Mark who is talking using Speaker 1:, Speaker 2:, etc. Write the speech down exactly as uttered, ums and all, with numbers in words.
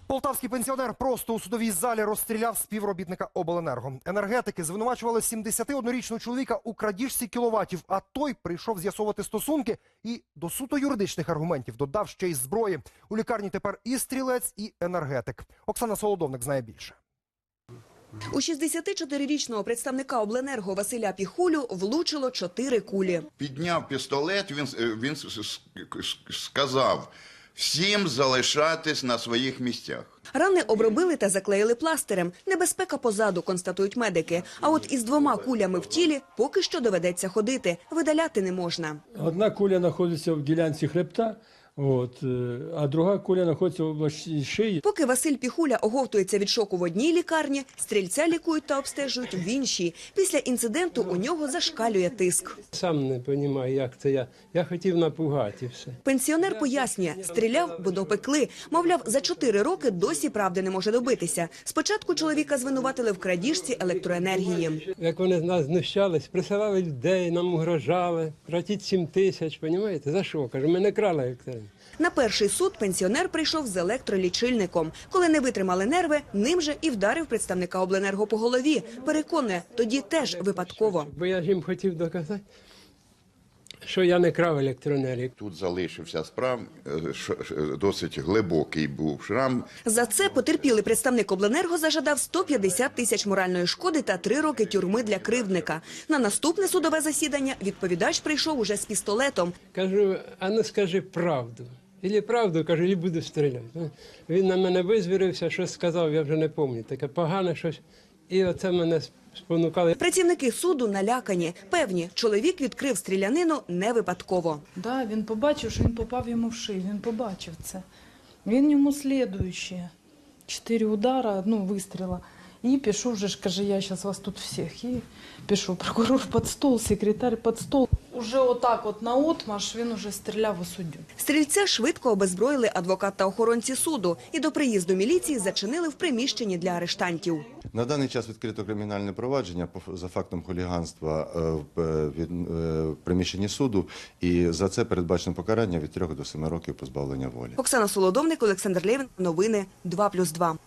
Speaker 1: Полтавський пенсіонер просто у судовій залі розстріляв співробітника обленерго. Енергетики звинувачували сімдесятиоднорічного чоловіка у крадіжці кіловатів, а той прийшов з'ясовувати стосунки і до суто юридичних аргументів додав ще й зброї. У лікарні тепер і стрілець, і енергетик. Оксана Солодовник знає більше.
Speaker 2: У шістдесятичотирирічного представника обленерго Василя Піхулю влучило чотири кулі.
Speaker 3: Підняв пістолет, він, він сказав всім залишатись на своїх місцях.
Speaker 2: Рани обробили та заклеїли пластирем. Небезпека позаду, констатують медики. А от із двома кулями в тілі поки що доведеться ходити. Видаляти не можна.
Speaker 4: Одна куля знаходиться в ділянці хребта, от, а друга куля знаходиться в області шиї.
Speaker 2: Поки Василь Піхуля оговтується від шоку в одній лікарні, стрільця лікують та обстежують в іншій. Після інциденту у нього зашкалює тиск.
Speaker 4: Сам не розумію, як це я. Я хотів напугати і все.
Speaker 2: Пенсіонер пояснює, стріляв, бо допекли. Мовляв, за чотири роки досі правди не може добитися. Спочатку чоловіка звинуватили в крадіжці електроенергії.
Speaker 4: Як вони з нас знущались, присилали людей, нам угрожали. Платіть сім тисяч, розумієте? За що? Кажу, ми не крали електроенергію.
Speaker 2: На перший суд пенсіонер прийшов з електролічильником. Коли не витримали нерви, ним же і вдарив представника обленерго по голові. Переконує, тоді теж випадково.
Speaker 4: Бо я ж їм хотів доказати, що я не крав електроенергію.
Speaker 3: Тут залишився справ, досить глибокий був шрам.
Speaker 2: За це потерпілий представник обленерго зажадав сто п'ятдесят тисяч моральної шкоди та три роки тюрми для кривдника. На наступне судове засідання відповідач прийшов уже з пістолетом.
Speaker 4: Кажу, а ну скажи правду. Ілі правду, кажу, і буду стріляти. Він на мене визвірився, щось сказав, я вже не пам'ятаю. Таке погане щось. І оце мене спонукали.
Speaker 2: Працівники суду налякані. Певні, чоловік відкрив стрілянину не випадково.
Speaker 5: Да, він побачив, що він попав йому в шию, він побачив це. Він йому слідуючі. Чотири удари, одну вистріла. І пішов вже ж, каже, я зараз вас тут всіх. І пішов прокурор під стол, секретар під стол. Уже отак от наотмашь він уже стріляв у суддю.
Speaker 2: Стрільця швидко обезброїли адвокат та охоронці суду і до приїзду міліції зачинили в приміщенні для арештантів.
Speaker 6: На даний час відкрито кримінальне провадження за фактом хуліганства в приміщенні суду, і за це передбачено покарання від трьох до семи років позбавлення волі.
Speaker 2: Оксана Солодовник, Олександр Лєвін. Новини два плюс два.